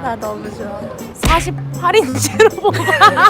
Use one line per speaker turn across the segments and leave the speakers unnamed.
나 너무 좋아.
48인치로 뽑아.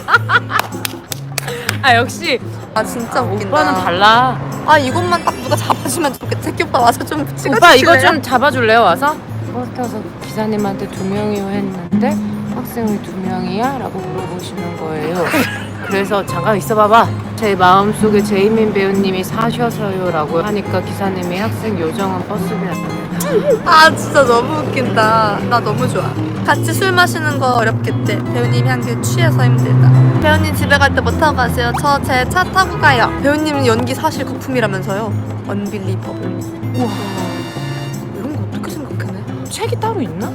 아 역시
아 진짜 웃긴다.
오빠는 달라.
아 이것만 딱 누가 잡아주면 좋겠다. 새끼 오빠 와서 좀 찍어주실래요?
오빠 이거 좀 잡아줄래요 와서? 버스 타서 기사님한테 2명이요 했는데 학생이 2명이야? 라고 물어보시는 거예요. 그래서 잠깐 있어봐봐. 제 마음속에 제이민 배우님이 사셔서요 라고 하니까 기사님이 학생 요정은 버스비야.
아 진짜 너무 웃긴다. 나 너무 좋아. 같이 술 마시는 거 어렵겠대. 배우님이 한 개 취해서 힘들다. 배우님 집에 갈 때 뭐 타고 가세요? 저 제 차 타고 가요. 배우님은 연기 사실 거품이라면서요. 언빌리버블. 우와. 이런 거 어떻게 생각해내?
책이 따로 있나?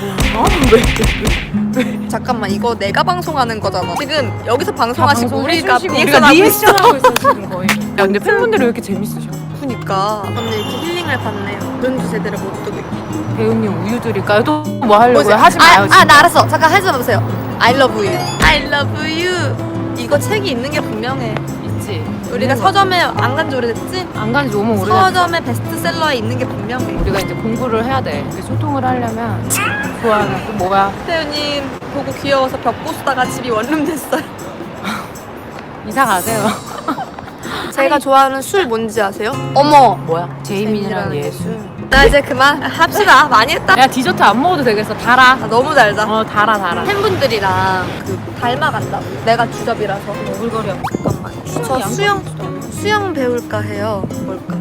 잠깐만 이거 내가 방송하는 거잖아. 지금 여기서 방송하시고 우리가
우리가 리액션하고 있어 지금 거의. 야 근데 팬분들이 왜 이렇게 재밌으셔?
그니까 오늘 이렇게 힐링을 받네요. 눈도 제대로 못 뜨고 있고.
배우님 우유 드릴까요? 또 뭐 하려고요? 하지 마요.
아 나 알았어. 잠깐 해줘보세요. I love you. I love you. 이거 책이 있는 게 분명해.
있지.
우리가 서점에 안 간 지 오래됐지?
안 간 지 너무 오래됐어.
서점에 베스트셀러에 있는 게 분명해.
우리가 이제 공부를 해야 돼. 이렇게 소통을 하려면 좋아하는 또 뭐야?
태우님 보고 귀여워서 벽 부수다가 집이 원룸 됐어요.
이사 가세요.
제가 좋아하는 술 뭔지 아세요? 어머.
뭐야? 제이민이랑 예수.
나 이제 그만 합시다. 많이 했다.
야 디저트 안 먹어도 되겠어. 달아.
아, 너무 달다.
달아.
팬분들이랑 그 닮아간다고. 내가 주접이라서.
오글거려.
잠깐만. 저 수영 배울까 해요. 뭘까?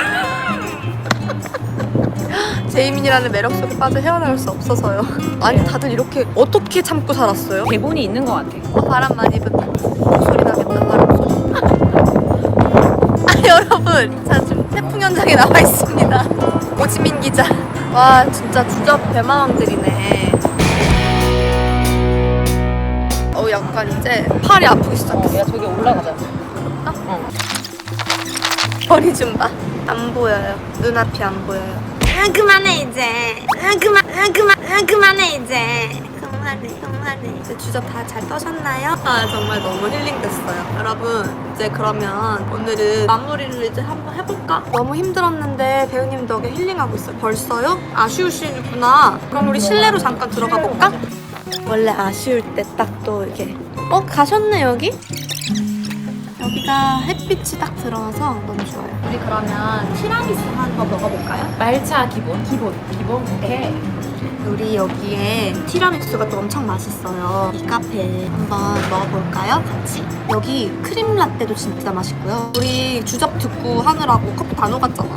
제이민이라는 매력 속에 빠져 헤어나올 수 없어서요. 아니 다들 이렇게 어떻게 참고 살았어요?
대본이 있는 것 같아.
바람 많이 분다. 소리 나겠다. 바람 소리. 아 여러분, 자 지금 태풍 현장에 나와 있습니다. 오지민 기자. 와 진짜 주접 대마왕들이네. 약간 이제 팔이 아프기 시작했어.
야 저기 올라가자.
머리 좀 봐. 안 보여요. 눈앞이 안 보여요. 그만해 이제. 그만해 이제. 그만해. 이제 주접 다 잘 떠셨나요? 아 정말 너무 힐링됐어요. 여러분 이제 그러면 오늘은 마무리를 이제 한번 해볼까? 너무 힘들었는데 배우님 덕에 힐링하고 있어요. 벌써요? 아쉬우시구나. 그럼 우리 실내로 잠깐 들어가 볼까? 원래 아쉬울 때 딱 또 이렇게 가셨네 여기? 여기가 햇빛이 딱 들어와서 너무 좋아요. 우리 그러면 티라미수 한번 먹어볼까요?
말차 기본. 오케이.
우리 여기에 티라미수가 또 엄청 맛있어요. 이 카페 한번 먹어볼까요? 같이? 여기 크림 라떼도 진짜 맛있고요. 우리 주접 듣고 하느라고 커피 다 녹았잖아.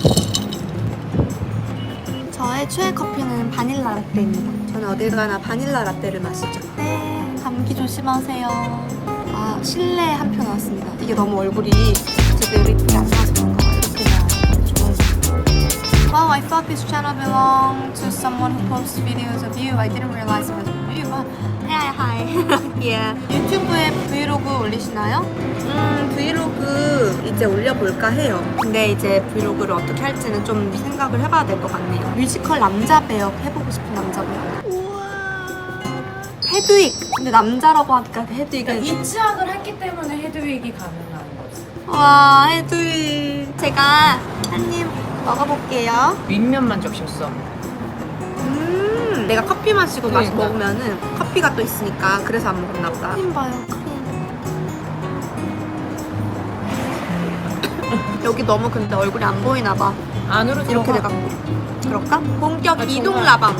저의 최애 커피는 바닐라 라떼입니다. 저는 어딜 가나 바닐라 라떼를 마시죠. 네, 감기 조심하세요. 아, 실내 한 표 나왔습니다. 이게 너무 얼굴이 제대로 이쁘게 안 나와서 그런가 봐요. 이렇게 나와요. Wow, I thought this channel belonged to someone who posts videos of you. I didn't realize it was you. Hi. Yeah. 유튜브에 브이로그 올리시나요? 브이로그 이제 올려볼까 해요. 근데 이제 브이로그를 어떻게 할지는 좀 생각을 해봐야 될 것 같네요. 뮤지컬 남자 배역 해보고 싶은 남자 배역. 우와. 헤드윅. 근데 남자라고 하니까 헤드윅은
입지학을 했기 때문에 헤드윅이 가능한 거지.
와, 헤드윅. 제가 한 입 먹어볼게요.
윗면만 적셨어.
내가 커피 마시고
그러니까.
먹으면은 커피가 또 있으니까 그래서 안 먹었나 보다. 크림 봐요, 크림. 여기 너무 근데 얼굴이 안 보이나 봐.
안으로
이렇게
들어가.
돼갖고. 그럴까? 본격
아,
이동
정말.
라방.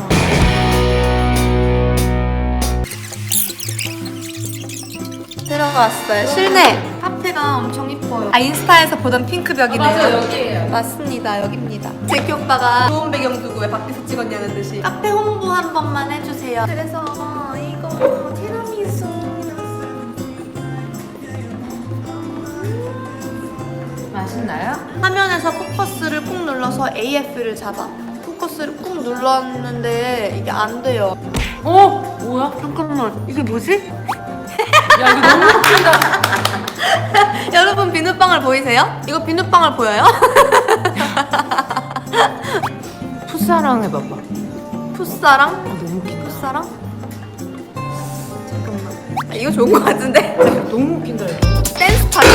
들어갔어요. 실내. 카페가 엄청 이뻐요. 아, 인스타에서 보던 핑크벽이네요.
맞아 여기에요.
맞습니다. 여기입니다. 제키 오빠가 좋은 배경 두고 왜 밖에서 찍었냐는 듯이 카페 홍보 한 번만 해주세요. 그래서 이거 티라미수
맛있나요?
화면에서 포커스를 꾹 눌러서 AF를 잡아. 포커스를 꾹 눌렀는데 이게 안 돼요.
뭐야?
잠깐만, 이게 뭐지?
야 이거 너무 웃긴다.
여러분 비눗방울 보이세요? 이거 비눗방울 보여요?
풋사랑 해봐봐.
풋사랑?
너무 웃긴다.
풋사랑? 잠깐만. 이거 좋은 거 같은데?
너무 웃긴다 이거.
댄스 타기.